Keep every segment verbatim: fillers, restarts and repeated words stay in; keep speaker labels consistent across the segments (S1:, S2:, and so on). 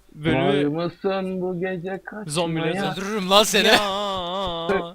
S1: Var
S2: Bölümü
S1: mısın bu gece
S2: zombileri
S1: kaçmaya?
S3: Öldürürüm lan seni.
S2: Ya.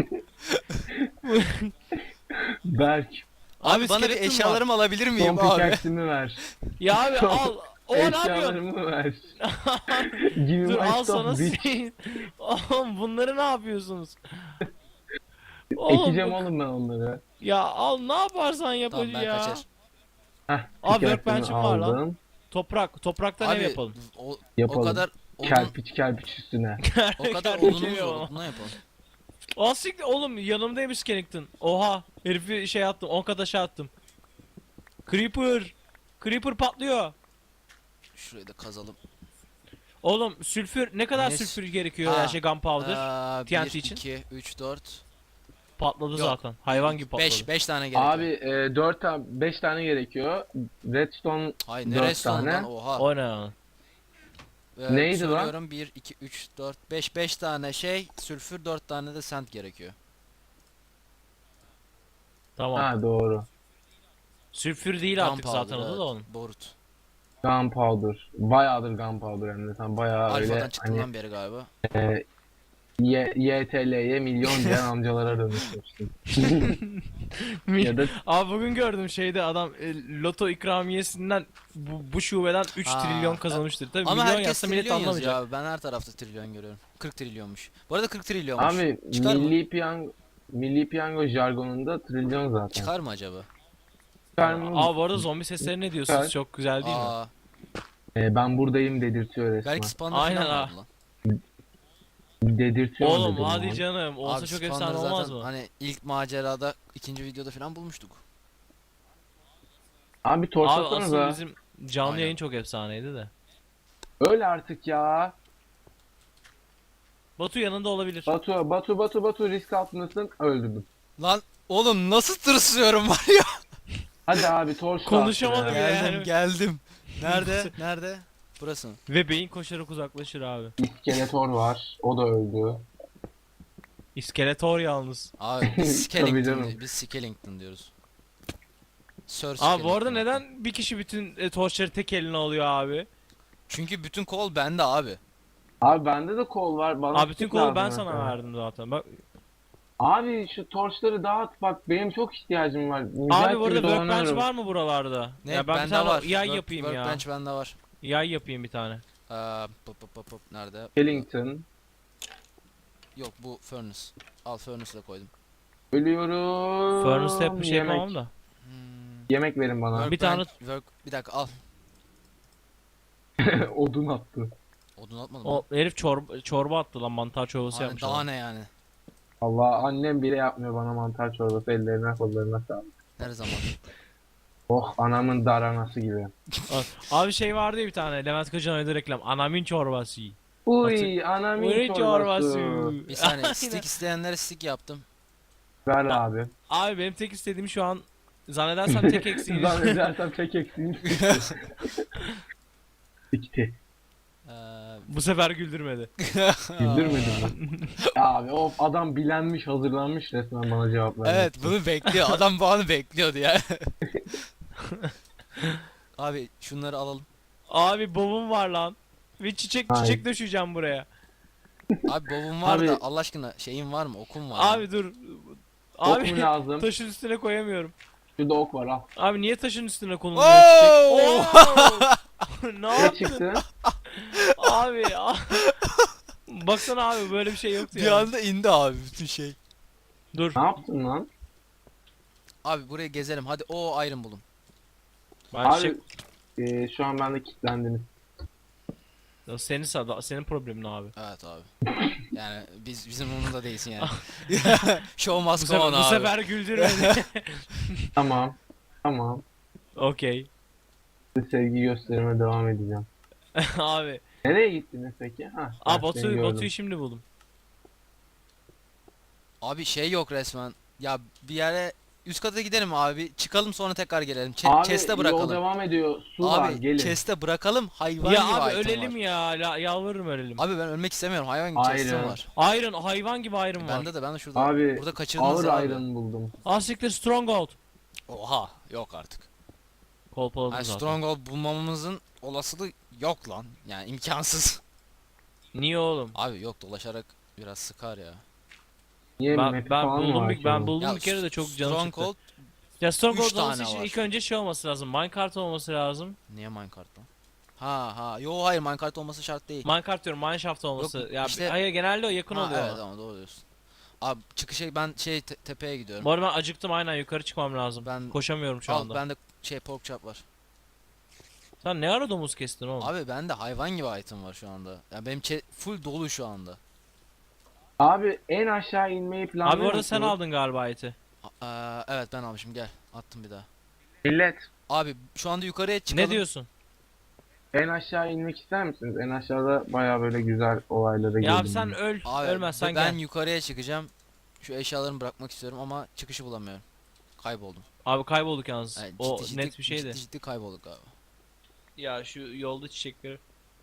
S1: Berk,
S2: Abi
S3: Abi bana bir
S2: skeleton var.
S3: eşyalarımı alabilir
S1: son
S3: miyim abi?
S1: pickaxe'imi ver.
S2: Ya abi
S1: Son
S2: al. O ne yapıyorsun?
S1: eşyalarımı ver. Give
S2: Dur
S1: me my
S2: al
S1: stuff
S2: sana
S1: bitch.
S2: şey. Oğlum bunları ne yapıyorsunuz? Oğlum
S1: Ekeceğim
S2: bu-
S1: oğlum ben onları.
S2: ya al ne yaparsan yap
S3: Tamam
S2: hacı
S3: ben
S2: ya.
S3: kaçar.
S1: Heh,
S2: Abi
S1: pickaxe'imi
S2: workbench'im var lan.
S1: aldım.
S2: Toprak. Topraktan ev
S3: Abi
S2: yapalım.
S3: o, o
S1: Yapalım.
S3: kadar odun,
S1: Kerpiç kerpiç üstüne.
S3: o kadar
S2: Kerpiç evi
S3: odunumuz var.
S2: yapalım.
S3: Odunla yapalım.
S2: Aa siktir oğlum yanımdaymış Kennington. Oha herifi şey attım on kat aşağı attım. Creeper. Creeper patlıyor.
S3: Şurayı da kazalım.
S2: Oğlum sülfür ne kadar
S3: Ne-
S2: sülfür gerekiyor
S3: Ha,
S2: her şey gunpowder?
S3: Aa,
S2: T N T
S3: bir,
S2: için.
S3: iki, üç, dört,
S2: Patladı
S3: Yok.
S2: zaten. Hayvan gibi patladı.
S3: beş, beş tane gerekiyor.
S1: Abi e, dört tane beş tane gerekiyor. Redstone
S3: Hayır
S1: dört
S3: neresi
S1: tane.
S3: lan oha.
S2: O ne lan?
S3: Ee,
S1: Neydi lan?
S3: söylüyorum, bir, iki, üç, dört, beş, beş tane şey sülfür, dört tane de sand gerekiyor.
S2: Tamam.
S1: Ha doğru.
S2: Sülfür değil artık
S3: Gunpowder,
S2: zaten adı
S3: evet,
S2: da onun.
S3: Borut.
S1: Gunpowder. Bayağıdır gunpowder hem de. Sen bayağı öyle
S3: Alfa'dan çıktığından
S1: hani
S3: beri galiba.
S1: e, Y- YTL'ye milyon diyen amcalara dönüşmüşsün. Ya da
S2: Abi bugün gördüm şeyde adam e, loto ikramiyesinden bu, bu şubeden üç
S3: Ha,
S2: trilyon kazanmıştır. Tabii
S3: Ama
S2: milyon
S3: herkes
S2: yazsa millet
S3: trilyon yazıyor
S2: anlamayacak.
S3: abi. Ben her tarafta trilyon görüyorum. kırk trilyonmuş. Bu arada kırk trilyonmuş.
S1: abi
S3: Çıkar mı?
S1: milli piyango milli piyango jargonunda trilyon zaten.
S3: Çıkar mı acaba?
S1: Çıkar mı?
S2: Aa bu arada zombi sesleri ne diyorsunuz?
S1: Çıkar.
S2: Çok güzel değil mi?
S3: Aa,
S1: E, ben buradayım dedirtiyor resmen.
S3: belki spawner
S2: Aynen
S3: falan
S2: ha.
S3: vardı lan.
S1: Dedirtiyor mu
S2: Oğlum
S1: dedim
S2: hadi
S1: lan.
S2: canım olsa
S3: Abi
S2: çok
S3: spawner
S2: efsane
S3: zaten
S2: olmaz mı?
S3: hani ilk macerada ikinci videoda falan bulmuştuk.
S1: Abi
S2: Abi
S1: torçlasanıza.
S2: aslında bizim canlı
S3: Aynen.
S2: yayın çok efsaneydi de.
S1: Öyle artık ya.
S2: Batu yanında olabilir.
S1: Batu Batu Batu Batu risk altındasın, öldürdüm.
S3: Lan oğlum nasıl tırsıyorum var ya.
S1: Hadi abi torçla.
S2: Konuşamadım
S1: Ya.
S2: ya.
S3: Geldim
S2: yani.
S3: geldim. Nerede? Nerede? Burası mı?
S2: Ve beyin koşarak uzaklaşır abi.
S1: İskeletor var. O da öldü.
S2: İskeletor yalnız.
S3: Abi biz
S1: Tabii
S3: Skellington,
S1: canım.
S3: di- biz Skellington diyoruz. Sir
S2: Abi bu
S3: Skellington.
S2: arada neden bir kişi bütün e, torçları tek eline alıyor abi?
S3: Çünkü bütün kol bende abi.
S1: Abi bende de kol var. Bana
S2: Abi bütün
S1: stick
S2: kolu
S1: lazım
S2: ben sana
S1: mesela.
S2: verdim zaten. Bak
S1: Abi şu torçları dağıt bak, benim çok ihtiyacım var.
S2: abi
S1: Mücahit
S2: bu arada
S1: gibi
S2: workbench
S1: dolanıyorum.
S2: var mı buralarda?
S3: Ne?
S2: Ya ben bir
S3: bende
S2: tane
S3: var.
S2: yay
S3: Work-
S2: yapayım ya.
S3: Workbench bende var.
S2: Yay yapayım bir tane.
S3: Ee, pop pop pop pop nerede?
S1: Skellington.
S3: Yok bu furnace. Al furnace'ı da koydum.
S1: Ölüyorum.
S2: Furnace'da hep bir şey
S1: Yemek.
S2: yapamam da.
S3: Hmm.
S1: Yemek verin bana.
S2: Bir tane-
S3: Workbench- work bir dakika al.
S1: Odun attı.
S3: Odun atmadım.
S2: O
S3: O
S2: herif çorba, çorba attı lan mantar çorbası yapmış.
S3: daha
S2: adam.
S3: ne yani?
S1: Allah, annem bile yapmıyor bana mantar çorbası, ellerine kollarına sağlık.
S3: Her zaman.
S1: Oh, anamın daranası gibi.
S2: Abi şey vardı ya bir tane Levent Kırca'nın oynadığı reklam. Anamın çorbası.
S1: Uy, anamın
S2: Uy,
S1: çorbası.
S3: Bir saniye
S2: Aynen.
S3: stick isteyenlere stick yaptım.
S1: Ver abi.
S2: Abi benim tek istediğim şu an zannedersem tek eksiğim.
S1: Zannedersem tek eksiğim sikti.
S3: Ee,
S2: Bu sefer güldürmedi.
S1: Güldürmedim mi? Abi of, adam bilenmiş, hazırlanmış resmen bana cevap vermek.
S3: evet bunu bekliyor. Adam bu anı bekliyordu ya. Abi şunları alalım.
S2: Abi bobum var lan. Ve çiçek
S1: Hayır.
S2: çiçek döşeyeceğim buraya.
S3: Abi bobum var
S1: Abi-
S3: da Allah aşkına şeyin var mı? Okum var.
S2: Abi dur.
S1: Ok mu
S2: Abi
S1: lazım?
S2: taşın üstüne koyamıyorum.
S1: Şurada ok var, al.
S2: Abi niye taşın üstüne konuluyor çiçek?
S3: Oo!
S2: Oo! Ne
S1: Ne
S2: yaptın?
S1: çıktı?
S2: Abi. a- Baksana abi böyle bir şey yoktu
S3: Bir
S2: ya.
S3: anda indi abi bütün şey.
S2: Dur.
S1: Ne yaptın lan?
S3: Abi buraya gezelim. Hadi o iron bulun.
S2: Ben
S1: Abi
S2: çiçek...
S1: e, şu an bende kilitlendiniz.
S2: Ya Senin sada- senin problemin abi.
S3: Evet abi. Yani biz bizim umurumuzda değilsin yani. Show
S2: Bu
S3: must go
S2: sefer,
S3: on
S2: bu
S3: abi.
S2: sefer güldürmedi.
S1: Tamam. Tamam.
S2: Okey.
S1: Size sevgi gösterime devam edeceğim.
S2: Abi.
S1: Nereye gittiniz peki? Ha,
S2: Aa
S1: ben
S2: Batu,
S1: seni gördüm.
S2: Batu'yu şimdi buldum.
S3: Abi şey yok resmen. Ya bir yere üst kata gidelim abi. Çıkalım sonra tekrar gelelim. Ç-
S1: Abi
S3: chest'e
S1: yol
S3: bırakalım.
S1: devam ediyor. Su var,
S3: Abi
S1: gelin.
S3: chest'e bırakalım. Hayvan
S2: Ya
S3: gibi
S2: abi
S3: item
S2: ölelim
S3: var.
S2: ya. La, yalvarırım ölelim.
S3: Abi ben ölmek istemiyorum. Hayvan gibi
S1: Aynen.
S3: chest'im var.
S2: Iron hayvan gibi iron var.
S3: Bende de ben de şurada.
S1: Abi
S3: Burada kaçırdınız
S1: ağır
S3: abi.
S1: iron buldum.
S2: Asiktir stronghold.
S3: Oha yok artık.
S2: Kolpaladım
S3: Yani
S2: zaten.
S3: Stronghold bulmamamızın olasılığı yok lan. Yani imkansız.
S2: Niye oğlum?
S3: Abi yok, dolaşarak biraz sıkar ya.
S1: Niye
S2: Ben
S1: map'i
S2: ben
S1: falan mı
S2: buldum
S1: var
S2: bir
S1: ki
S2: ben
S1: onun?
S2: buldum
S3: Ya
S2: bir kere de çok canım çıktı.
S3: Stronghold
S2: Ya Stronghold
S3: üç
S2: olması
S3: tane
S2: için
S3: var.
S2: ilk önce şey olması lazım. Minecart olması lazım.
S3: niye Minecraft lan? Ha ha. Yo hayır, Minecraft olması şart değil.
S2: Minecart diyorum, Mineshaft olması.
S3: Yok,
S2: ya
S3: işte-
S2: hayır, genelde o yakın
S3: Ha,
S2: oluyor.
S3: evet ama doğru diyorsun. Abi çıkışa ben şey te- tepeye gidiyorum.
S2: Bu arada ben acıktım, aynen yukarı çıkmam lazım.
S3: Ben-
S2: Koşamıyorum şu
S3: Al
S2: anda.
S3: bende şey pork chop var.
S2: Sen ne ara domuz kestin oğlum?
S3: Abi bende hayvan gibi item var şu anda. Ya benim çe- full dolu şu anda.
S1: Abi en aşağı inmeyi planlıyor
S2: Abi orada sen
S1: musunuz?
S2: aldın galiba eti.
S3: Aa, evet ben almışım, gel. Attım bir daha.
S1: Millet
S3: Abi şu anda yukarıya çıkalım.
S2: Ne diyorsun?
S1: en aşağı inmek ister misiniz? En aşağıda baya böyle güzel olaylara
S2: Ya abi
S1: girdim
S2: sen
S1: ben.
S2: öl,
S3: Abi
S2: ölmezsen
S3: ben
S2: gel.
S3: yukarıya çıkacağım. Şu eşyalarımı bırakmak istiyorum ama çıkışı bulamıyorum. Kayboldum.
S2: Abi kaybolduk yalnız.
S3: Yani
S2: o
S3: ciddi ciddi,
S2: net bir şeydi.
S3: Ciddi ciddi kaybolduk abi.
S2: Ya şu yolda çiçekleri.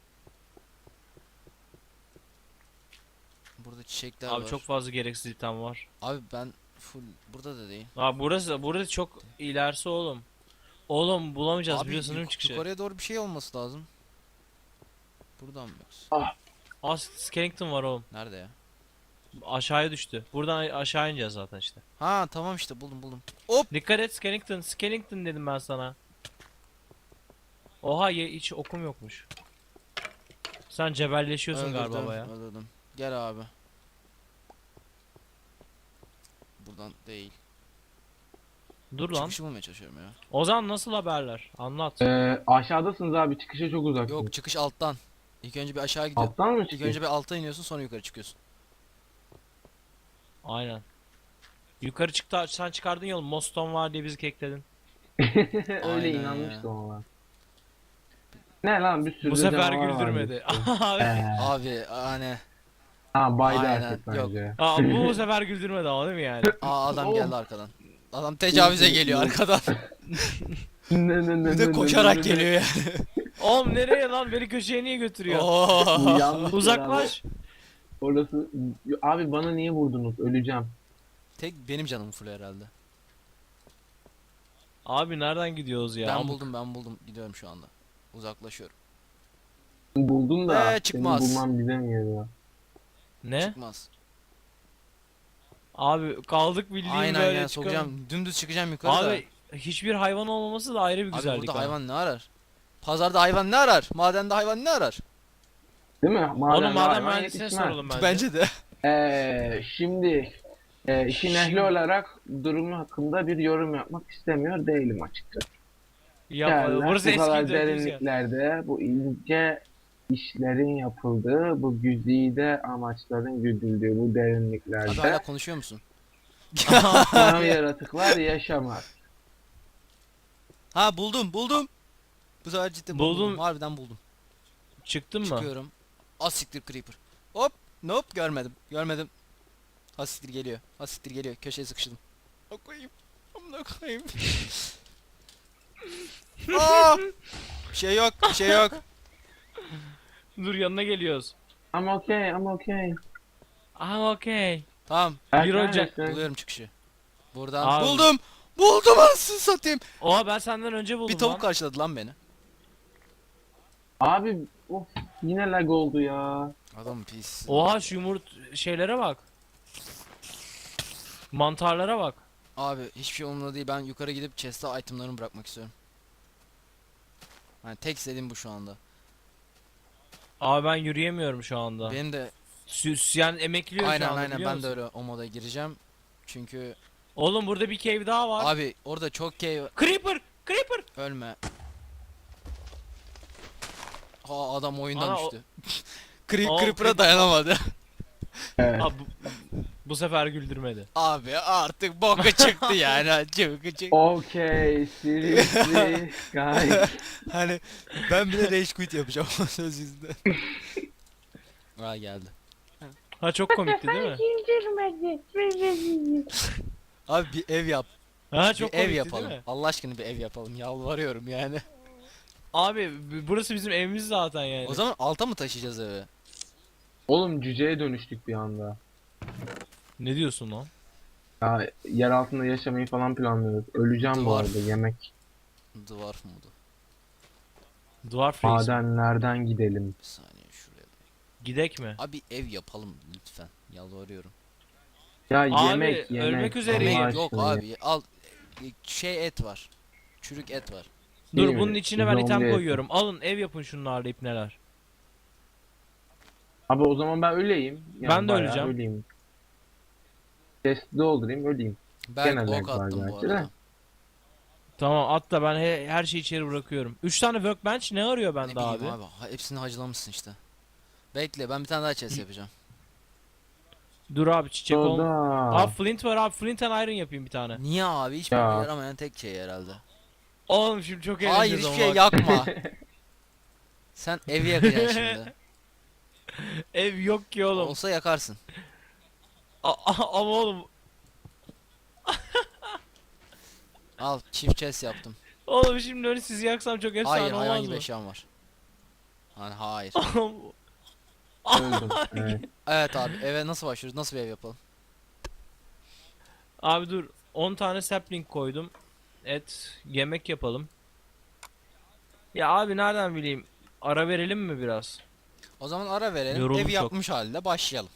S3: Burada çiçekler
S2: Abi
S3: var.
S2: çok fazla gereksiz item var.
S3: Abi ben full burada da değil.
S2: Abi burası burası çok ilerisi oğlum. Oğlum bulamayacağız
S3: Abi
S2: biliyorsun değil mi
S3: yuk-
S2: çıkışı?
S3: yukarıya doğru bir şey olması lazım. Buradan mı yoksa?
S2: Aa, Skellington var oğlum.
S3: Nerede ya?
S2: Aşağıya düştü. Buradan aşağı ineceğiz zaten işte.
S3: Ha tamam işte buldum buldum. Hop!
S2: Dikkat et Skellington. Skellington dedim ben sana. Oha, ye, hiç okum yokmuş. Sen cebelleşiyorsun galiba
S3: Öldürdüm,
S2: baya.
S3: öldürdüm. Gel abi. Buradan değil.
S2: Dur lan.
S3: Çıkışı bulmaya çalışıyorum ya.
S2: Ozan nasıl haberler? Anlat.
S1: Ee, aşağıdasınız abi, çıkışa çok uzaksınız.
S3: Yok, çıkış alttan. İlk önce bir aşağı gidiyorsun.
S1: Alttan mı
S3: İlk
S1: çıkıyor?
S3: önce bir alta iniyorsun, sonra yukarı çıkıyorsun.
S2: Aynen. Yukarı çıktı, sen çıkardın yolu. Moston var diye bizi kekledin.
S1: Öyle
S3: Aynen
S1: inanmıştım ama. Ne lan, bir sürü
S2: Bu
S1: de
S2: sefer
S1: canavar vardı
S2: güldürmedi.
S1: işte.
S2: Abi.
S1: Ee,
S3: Abi hani
S1: ha baydı
S3: Aynen,
S1: artık
S3: yok.
S1: bence.
S2: Aa, bu bu sefer güldürmedi ama değil mi yani?
S3: aa adam
S1: Oğlum.
S3: geldi arkadan. Adam tecavüze geliyor arkadan.
S1: Ne ne ne
S3: Bir
S1: ne
S3: de
S1: ne
S3: koşarak
S1: ne ne.
S3: geliyor yani.
S2: Oğlum nereye lan? Beni köşeye niye götürüyor?
S3: Oo.
S1: Yanlış
S2: Uzaklaş.
S1: ya. Orası abi, bana niye vurdunuz? Öleceğim.
S3: Tek benim canım full herhalde.
S2: Abi nereden gidiyoruz ya?
S3: Ben
S2: Amk.
S3: buldum ben buldum. Gidiyorum şu anda. Uzaklaşıyorum.
S1: Buldum da
S3: Ee, çıkmaz.
S1: senin bulman bize mi geliyor?
S2: Ne?
S3: Çıkmaz.
S2: Abi kaldık bildiğin
S3: Aynen
S2: böyle
S3: yani
S2: çıkalım.
S3: sokacağım. Dümdüz çıkacağım yukarı da.
S2: Abi hiçbir hayvan olmaması da ayrı bir
S3: Abi
S2: güzellik.
S3: burada
S2: ama.
S3: hayvan ne arar? Pazarda hayvan ne arar? Madende hayvan ne arar?
S1: Değil mi? Maden
S2: Onu maden
S1: hayvan
S2: mühendisine
S1: yetişmez.
S2: soralım bence.
S3: Bence de.
S1: Ee, şimdi e, işin ehli
S2: Şimdi-
S1: olarak durumu hakkında bir yorum yapmak istemiyor değilim açıkçası.
S2: Ya
S1: Yerler,
S2: burası
S1: bu kadar
S2: eski dördüz ya.
S1: derinliklerde bu ince işlerin yapıldığı, bu güzide amaçların güdüldüğü bu
S3: Abi
S1: derinliklerde
S3: hala konuşuyor musun?
S1: tam yaratıklar yaşamaz.
S3: Ha buldum buldum. Bu sefer cidden buldum.
S2: Buldum.
S3: Harbiden buldum.
S2: Çıktın mı?
S3: Çıkıyorum. Az siktir creeper. Hop. Nope görmedim. Görmedim. Az siktir geliyor. Az siktir geliyor. Köşeye sıkıştım. Amına koyayım. Amına koyayım. Aa! Bir şey yok. Bir şey yok.
S2: Dur yanına geliyoruz.
S1: I'm okay, I'm okay.
S2: Ah okey.
S3: Tamam.
S2: Bir Ocak.
S3: Buluyorum çıkışı. Buradan
S2: Abi.
S3: buldum. Buldum anasını satayım.
S2: Oha, ben senden önce buldum
S3: Bir tavuk
S2: lan.
S3: karşıladı lan beni.
S1: Abi of, yine lag oldu ya.
S3: Adam pis.
S2: Oha, şu yumurt şeylere bak. Mantarlara bak.
S3: Abi hiçbir şey umurumda değil. Ben yukarı gidip chest'e itemlarımı bırakmak istiyorum. Hani tek istediğim bu şu anda.
S2: Abi ben yürüyemiyorum şu anda.
S3: Benim de
S2: Süs yani emekliyor şu
S3: aynen
S2: anda,
S3: aynen
S2: biliyor
S3: ben de
S2: musun?
S3: öyle o moda gireceğim. Çünkü
S2: Oğlum burada bir cave daha var.
S3: abi orada çok cave
S2: Creeper! Creeper!
S3: ölme. Ha adam oyundan
S2: Ana, o-
S3: düştü. Creep
S2: O
S3: Creeper'a
S2: Creeper-
S3: dayanamadı.
S1: Evet.
S2: Abi, bu, bu sefer güldürmedi.
S3: Abi artık boka çıktı yani. Çıktı çıktı.
S1: Okay, seriously guys.
S3: Hani ben bile rage quit yapacağım o söz yüzünden. Aa geldi.
S2: Ha, çok komikti değil mi?
S3: Abi bir ev yap.
S2: Ha, çok
S3: bir ev
S2: komikti
S3: yapalım.
S2: değil mi?
S3: Allah aşkına bir ev yapalım. Yalvarıyorum yani.
S2: Abi b- burası bizim evimiz zaten yani.
S3: O zaman alta mı taşıyacağız evi?
S1: Oğlum cüceye dönüştük bir anda.
S2: Ne diyorsun lan?
S1: Ya yer altında yaşamayı falan planlıyoruz. Öleceğim bu
S3: Duvar.
S1: arada, yemek.
S3: Dwarf modu.
S2: Dwarf Reis.
S1: Madenlerden gidelim.
S3: Bir saniye şuraya.
S2: Gidek mi?
S3: Abi ev yapalım lütfen. Yalvarıyorum.
S1: Ya
S2: Abi,
S1: yemek yemek.
S2: ölmek üzereyim.
S1: Allah
S3: Yemek yok
S1: aşkına.
S3: abi. Al e, şey et var. Çürük et var.
S2: Dur
S1: İyi mi?
S2: bunun içine ben
S1: Zombi
S2: item
S1: eti.
S2: koyuyorum. Alın ev yapın şunlarla ipneler.
S1: Abi o zaman ben öleyim. Yani
S2: Ben de
S1: bayağı
S2: öleceğim.
S1: Öleyim. Chest'i doldurayım öleyim.
S3: Ben
S1: Gene
S3: ok
S1: lag var
S3: attım bu
S1: gerçi de.
S3: arada.
S2: Tamam at da ben he- her şeyi içeri bırakıyorum. üç tane workbench ne arıyor
S3: Ne
S2: bende
S3: bileyim
S2: abi?
S3: abi. Ha, hepsini hacılamışsın işte. Bekle ben bir tane daha chest yapacağım.
S2: Dur abi çiçek ol.
S1: Soda.
S2: Abi flint var abi, flint and iron yapayım bir tane.
S3: Niye abi? Hiçbir
S1: Ya.
S3: yaramayan tek şey herhalde.
S2: Oğlum şimdi çok eğleneceğiz
S3: Hayır hiçbir
S2: ama
S3: şey
S2: bak.
S3: yakma. Sen evi yakacaksın şimdi.
S2: Ev yok ki oğlum.
S3: Olsa yakarsın.
S2: A- a- ama oğlum.
S3: Al çift chest yaptım.
S2: Oğlum şimdi öyle sizi yaksam çok efsane
S3: Hayır hayvan
S2: olmaz
S3: gibi
S2: mı?
S3: eşyam var. Hani hayır.
S1: Öldüm. Evet.
S3: Evet abi eve nasıl başlıyoruz? Nasıl bir ev yapalım?
S2: Abi dur on tane sapling koydum. Et yemek yapalım. Ya abi nereden bileyim? Ara verelim mi biraz?
S3: O zaman ara verelim.
S2: Yoruldum
S3: Ev
S2: çok.
S3: yapmış halde başlayalım.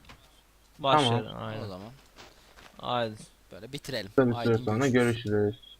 S2: Başlayalım
S3: O
S2: aynen.
S3: zaman
S2: Haydi.
S3: böyle bitirelim.
S1: Kısa bir süre
S3: Haydi
S1: sonra
S3: görüşürüz.
S1: görüşürüz.